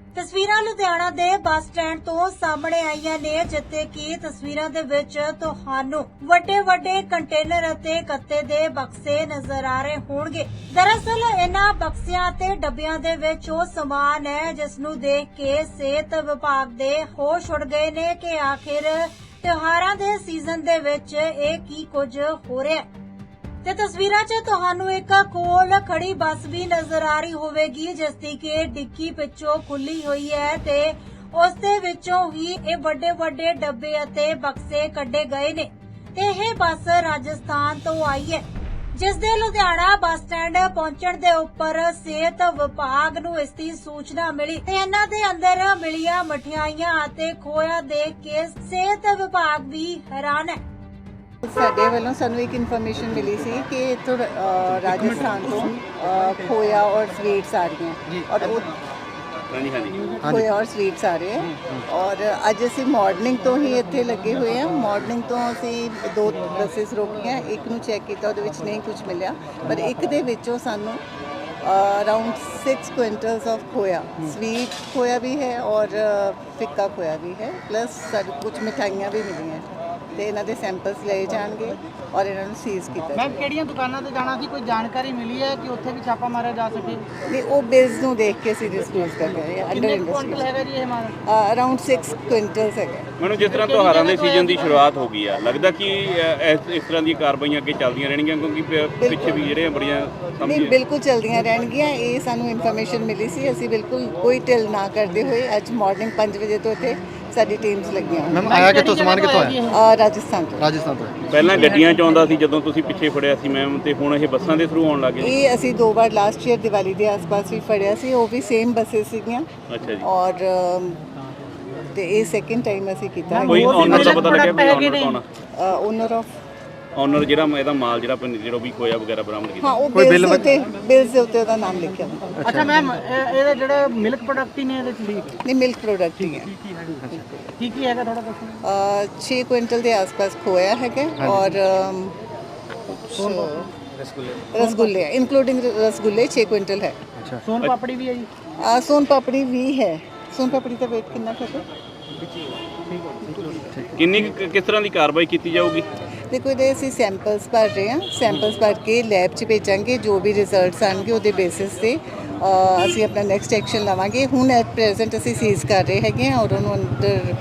ਤਸਵੀਰਾਂ ਲੁਧਿਆਣਾ ਦੇ bus stand ਤੋਂ ਸਾਹਮਣੇ ਆਈਆਂ ਨੇ, ਜਿੱਥੇ ਕਿ ਤਸਵੀਰਾਂ ਦੇ ਵਿੱਚ ਤੁਹਾਨੂੰ ਵੱਡੇ ਕੰਟੇਨਰ ਅਤੇ ਗੱਤੇ ਦੇ ਬਕਸੇ ਨਜ਼ਰ ਆ ਰਹੇ ਹੋਣਗੇ। ਦਰਅਸਲ ਇਹਨਾਂ ਬਕਸਿਆਂ ਤੇ ਡੱਬਿਆਂ ਦੇ ਵਿੱਚ ਉਹ ਸਮਾਨ ਹੈ ਜਿਸ ਨੂੰ ਦੇਖ ਕੇ ਸਿਹਤ ਵਿਭਾਗ ਦੇ ਹੋਸ਼ ਉੱਡ ਗਏ ਨੇ ਕਿ ਆਖਿਰ ਤਿਉਹਾਰਾਂ ਦੇ ਸੀਜ਼ਨ ਦੇ ਵਿੱਚ ਇਹ ਕੀ ਕੁਝ ਹੋ ਰਿਹਾ ਹੈ। ਤੇ ਤਸਵੀਰਾਂ 'ਚ ਤੁਹਾਨੂੰ ਇੱਕ ਕੋਲ ਖੜੀ ਬੱਸ ਵੀ ਨਜ਼ਰ ਆ ਰਹੀ ਹੋਵੇਗੀ, ਜਿਸ ਦੀ ਕਿ ਡਿੱਗੀ ਪਿੱਛੋਂ ਖੁੱਲੀ ਹੋਈ ਹੈ ਤੇ ਉਸ ਦੇ ਵਿੱਚੋਂ ਹੀ ਇਹ ਵੱਡੇ ਡੱਬੇ ਅਤੇ ਬਕਸੇ ਕੱਢੇ ਗਏ ਨੇ। ਤੇ ਇਹ ਬੱਸ ਰਾਜਸਥਾਨ ਤੋਂ ਆਈ ਹੈ, ਜਿਸ ਦੇ ਲੁਧਿਆਣਾ ਬੱਸ ਸਟੈਂਡ ਪਹੁੰਚਣ ਦੇ ਉੱਪਰ ਸਿਹਤ ਵਿਭਾਗ ਨੂੰ ਇਸ ਦੀ ਸੂਚਨਾ ਮਿਲੀ ਤੇ ਇਹਨਾਂ ਦੇ ਅੰਦਰ ਮਿਲੀਆਂ ਮਠਿਆਈਆਂ ਅਤੇ ਖੋਇਆ ਦੇਖ ਕੇ ਸਿਹਤ ਵਿਭਾਗ ਵੀ ਹੈਰਾਨ ਹੈ। ਸਾਡੇ ਵੱਲੋਂ ਸਾਨੂੰ ਇੱਕ ਇਨਫੋਰਮੇਸ਼ਨ ਮਿਲੀ ਸੀ ਕਿ ਇੱਥੋਂ ਰਾਜਸਥਾਨ ਤੋਂ ਖੋਇਆ ਔਰ ਸਵੀਟਸ ਆ ਰਹੀਆਂ ਔਰ ਖੋਇਆ ਔਰ ਸਵੀਟਸ ਆ ਰਹੇ ਹੈ ਔਰ ਅੱਜ ਅਸੀਂ ਮਾਰਨਿੰਗ ਤੋਂ ਹੀ ਇੱਥੇ ਲੱਗੇ ਹੋਏ ਹਾਂ। ਮਾਰਨਿੰਗ ਤੋਂ ਅਸੀਂ 2 ਬੱਸਸ ਰੋਕੀਆਂ, ਇੱਕ ਨੂੰ ਚੈੱਕ ਕੀਤਾ, ਉਹਦੇ ਵਿੱਚ ਨਹੀਂ ਕੁਝ ਮਿਲਿਆ, ਪਰ ਇੱਕ ਦੇ ਵਿੱਚੋਂ ਸਾਨੂੰ ਅਰਾਊਂਡ 6 ਕੁਇੰਟल्स ऑफ खोया, स्वीट खोया भी है और फिक्का खोया भी है, प्लस कुछ मिठाइयाँ भी मिली हैं ਤੇ ਇਹਨਾਂ ਦੇ ਸੈਂਪਲਸ ਲਏ ਜਾਣਗੇ ਔਰ ਇਹਨਾਂ ਨੂੰ ਸੀਜ਼ ਕੀਤਾ ਮੈਮ ਕਿਹੜੀਆਂ ਦੁਕਾਨਾਂ ਤੇ ਜਾਣਾ ਸੀ, ਕੋਈ ਜਾਣਕਾਰੀ ਮਿਲੀ ਹੈ ਕਿ ਉੱਥੇ ਵੀ ਛਾਪਾ ਮਾਰਿਆ ਜਾ ਸਕੇ? ਨਹੀਂ, ਉਹ ਬਿਲਸ ਨੂੰ ਦੇਖ ਕੇ ਅਸੀਂ ਡਿਸਕਲੋਜ਼ ਕਰ ਰਹੇ ਹਾਂ। ਅੰਡਰ ਕੁਇੰਟਲ ਹੈਗਾ ਜੀ ਇਹ ਮਾਲ? ਅਰਾਊਂਡ 6 ਕੁਇੰਟਲਸ ਹੈਗਾ। ਮੈਨੂੰ ਜਿਸ ਤਰ੍ਹਾਂ ਤਿਉਹਾਰਾਂ ਦੇ ਸੀਜ਼ਨ ਦੀ ਸ਼ੁਰੂਆਤ ਹੋ ਗਈ ਆ, ਲੱਗਦਾ ਕਿ ਇਸ ਤਰ੍ਹਾਂ ਦੀਆਂ ਕਾਰਵਾਈਆਂ ਅੱਗੇ ਚੱਲਦੀਆਂ ਰਹਿਣਗੀਆਂ, ਕਿਉਂਕਿ ਪਿੱਛੇ ਵੀ ਜਿਹੜੇ ਬੜੀਆਂ ਨਹੀਂ, ਬਿਲਕੁਲ ਚੱਲਦੀਆਂ ਰਹਿਣਗੀਆਂ। ਇਹ ਸਾਨੂੰ ਇਨਫੋਰਮੇਸ਼ਨ ਮਿਲੀ ਸੀ, ਅਸੀਂ ਬਿਲਕੁਲ ਕੋਈ ਢਿੱਲ ਨਾ ਕਰਦੇ ਹੋਏ ਅੱਜ ਮਾਰਨਿੰਗ 5 ਵਜੇ ਤੋਂ ਇੱਥੇ ਸਾਡੀ ਟੀਮਸ ਲੱਗੀਆਂ। ਮੈਮ ਆਇਆ ਕਿੱਥੋਂ, ਸਮਾਨ ਕਿੱਥੋਂ ਆਇਆ? ਰਾਜਸਥਾਨ ਤੋਂ। ਰਾਜਸਥਾਨ ਤੋਂ। ਪਹਿਲਾਂ ਗੱਡੀਆਂ 'ਚ ਆਉਂਦਾ ਸੀ ਜਦੋਂ ਤੁਸੀਂ ਪਿੱਛੇ ਫੜਿਆ ਸੀ ਮੈਮ, ਤੇ ਹੁਣ ਇਹ ਬੱਸਾਂ ਦੇ ਥਰੂ ਆਉਣ ਲੱਗੇ? ਇਹ ਅਸੀਂ 2 ਵਾਰ ਲਾਸਟ ਈਅਰ ਦੀਵਾਲੀ ਦੇ ਆਸ-ਪਾਸ ਵੀ ਫੜਿਆ ਸੀ, ਉਹ ਵੀ ਸੇਮ ਬੱਸਸ ਸੀਗੀਆਂ। ਅੱਛਾ ਜੀ। ਔਰ ਤੇ ਇਹ ਸੈਕਿੰਡ ਟਾਈਮ ਅਸੀਂ ਕੀਤਾ। ਕੋਈ ਓਨਰ ਦਾ ਪਤਾ ਲੱਗਿਆ ਵੀ ਓਨਰ ਕੌਣ ਆ? ਓਨਰ ਆਫ ਓਨਰ ਜਿਹੜਾ ਇਹਦਾ ਮਾਲ ਜਿਹੜਾ ਵੀ ਖੋਇਆ ਵਗੈਰਾ ਬਰਾਮਦ ਕੀਤਾ? ਹਾਂ, ਉਹ ਬਿਲਸ ਦੇ ਉੱਤੇ ਉਹਦਾ ਨਾਮ ਲਿਖਿਆ ਹੁੰਦਾ। ਅੱਛਾ ਮੈਮ, ਇਹਦੇ ਜਿਹੜੇ ਮਿਲਕ ਪ੍ਰੋਡਕਟ ਹੀ ਨੇ ਇਹਦੇ ਚ? ਨਹੀਂ, ਮਿਲਕ ਪ੍ਰੋਡਕਟ ਹੀ ਹੈ। ਕੀ ਹੈਗਾ ਥੋੜਾ ਦੱਸੋ। 6 ਕੁਇੰਟਲ ਦੇ ਆਸ-ਪਾਸ ਖੋਇਆ ਹੈਗਾ ਔਰ ਰਸਗੁੱਲੇ ਇਨਕਲੂਡਿੰਗ ਰਸਗੁੱਲੇ 6 ਕੁਇੰਟਲ ਹੈ। ਅੱਛਾ, ਸੋਨ ਪਾਪੜੀ ਵੀ ਹੈ ਜੀ? ਸੋਨ ਪਾਪੜੀ ਵੀ ਹੈ। ਸੋਨ ਪਾਪੜੀ ਦਾ weight ਕਿੰਨਾ ਹੈ? ਕਿੰਨੀ ਕਿਸ ਤਰ੍ਹਾਂ ਦੀ ਕਾਰਵਾਈ ਕੀਤੀ ਜਾਊਗੀ? ਦੇਖੋ, ਇਹਦੇ ਅਸੀਂ ਸੈਂਪਲਸ ਭਰ ਰਹੇ ਹਾਂ। ਸੈਂਪਲਸ ਭਰ ਕੇ ਲੈਬ 'ਚ ਭੇਜਾਂਗੇ। ਜੋ ਵੀ ਰਿਜ਼ਲਟਸ ਆਣਗੇ ਉਹਦੇ ਬੇਸਿਸ ਤੇ ਅਸੀਂ ਆਪਣਾ ਨੈਕਸਟ ਐਕਸ਼ਨ ਲਵਾਂਗੇ। ਹੁਣ ਐਟ ਪ੍ਰੈਜ਼ੈਂਟ ਅਸੀਂ ਸੀਜ਼ ਕਰ ਰਹੇ ਹੈਗੇ ਹਾਂ ਔਰ ਉਹਨੂੰ ਅੰਡਰ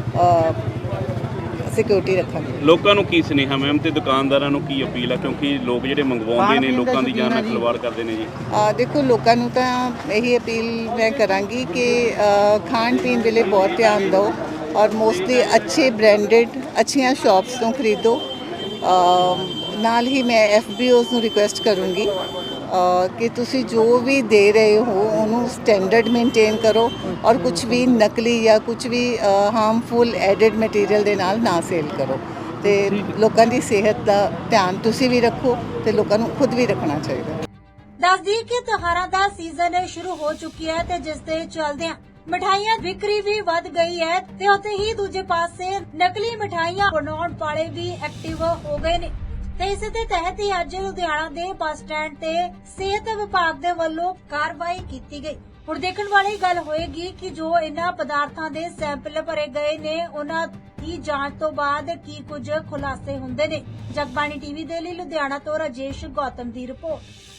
ਸਿਕਿਉਰਿਟੀ ਰੱਖਾਂਗੇ। ਲੋਕਾਂ ਨੂੰ ਕੀ ਸੁਨੇਹਾ ਮੈਮ ਤੇ ਦੁਕਾਨਦਾਰਾਂ ਨੂੰ ਕੀ ਅਪੀਲ ਆ, ਕਿਉਂਕਿ ਲੋਕ ਜਿਹੜੇ ਮੰਗਵਾਉਂਦੇ ਨੇ ਲੋਕਾਂ ਦੀ ਜਾਨ ਨਾਲ ਖਿਲਵਾੜ ਕਰਦੇ ਨੇ ਜੀ? ਦੇਖੋ, ਲੋਕਾਂ ਨੂੰ ਤਾਂ ਇਹੀ ਅਪੀਲ ਮੈਂ ਕਰਾਂਗੀ ਕਿ ਖਾਣ ਪੀਣ ਵੇਲੇ ਬਹੁਤ ਧਿਆਨ ਦਿਓ ਔਰ ਮੋਸਟਲੀ ਅੱਛੇ ਬ੍ਰਾਂਡਡ ਅੱਛੀਆਂ ਸ਼ਾਪਸ ਤੋਂ ਖਰੀਦੋ। ਨਾਲ ਹੀ ਮੈਂ FBOs ਨੂੰ ਰਿਕੁਐਸਟ ਕਰੂੰਗੀ ਕਿ ਤੁਸੀਂ ਜੋ ਵੀ ਦੇ ਰਹੇ ਹੋ ਉਹਨੂੰ ਸਟੈਂਡਰਡ ਮੇਨਟੇਨ ਕਰੋ ਔਰ ਕੁਝ ਵੀ ਨਕਲੀ ਜਾਂ ਕੁਝ ਵੀ ਹਾਰਮਫੁਲ ਐਡਿਡ ਮਟੀਰੀਅਲ ਦੇ ਨਾਲ ਨਾ ਸੇਲ ਕਰੋ। ਤੇ ਲੋਕਾਂ ਦੀ ਸਿਹਤ ਦਾ ਧਿਆਨ ਤੁਸੀਂ ਵੀ ਰੱਖੋ ਤੇ ਲੋਕਾਂ ਨੂੰ ਖੁਦ ਵੀ ਰੱਖਣਾ ਚਾਹੀਦਾ। ਦੱਸਦੀ ਕਿ ਤਿਉਹਾਰਾਂ ਦਾ ਸੀਜ਼ਨ ਸ਼ੁਰੂ ਹੋ ਚੁੱਕਿਆ ਹੈ ਤੇ ਜਿਸ ਦੇ ਚੱਲਦਿਆਂ ਮਿਠਾਈਆਂ ਵਿਕਰੀ ਵੀ ਵੱਧ ਗਈ ਹੈ ਤੇ ਉੱਥੇ ਹੀ ਦੂਜੇ ਪਾਸੇ ਨਕਲੀ ਮਿਠਾਈਆਂ ਬਣਾਉਣ ਵਾਲੇ ਵੀ ਐਕਟਿਵ ਹੋ ਗਏ ਨੇ। ਤੇ ਇਸੇ ਦੇ ਤਹਿਤ ਹੀ ਅੱਜ ਲੁਧਿਆਣਾ ਦੇ ਬੱਸ ਸਟੈਂਡ ਤੇ ਸਿਹਤ ਵਿਭਾਗ ਦੇ ਵੱਲੋਂ ਕਾਰਵਾਈ ਕੀਤੀ ਗਈ। ਹੁਣ ਦੇਖਣ ਵਾਲੀ ਗੱਲ ਹੋਏਗੀ ਕਿ ਜੋ ਇਹਨਾਂ ਪਦਾਰਥਾਂ ਦੇ ਸੈਂਪਲ ਭਰੇ ਗਏ ਨੇ ਉਹਨਾਂ ਦੀ ਜਾਂਚ ਤੋਂ ਬਾਅਦ ਕੀ ਕੁਝ ਖੁਲਾਸੇ ਹੁੰਦੇ ਨੇ। ਜਗਬਾਣੀ ਟੀਵੀ ਦੇ ਲਈ ਲੁਧਿਆਣਾ ਤੋਂ ਰਾਜੇਸ਼ ਗੌਤਮ ਦੀ ਰਿਪੋਰਟ।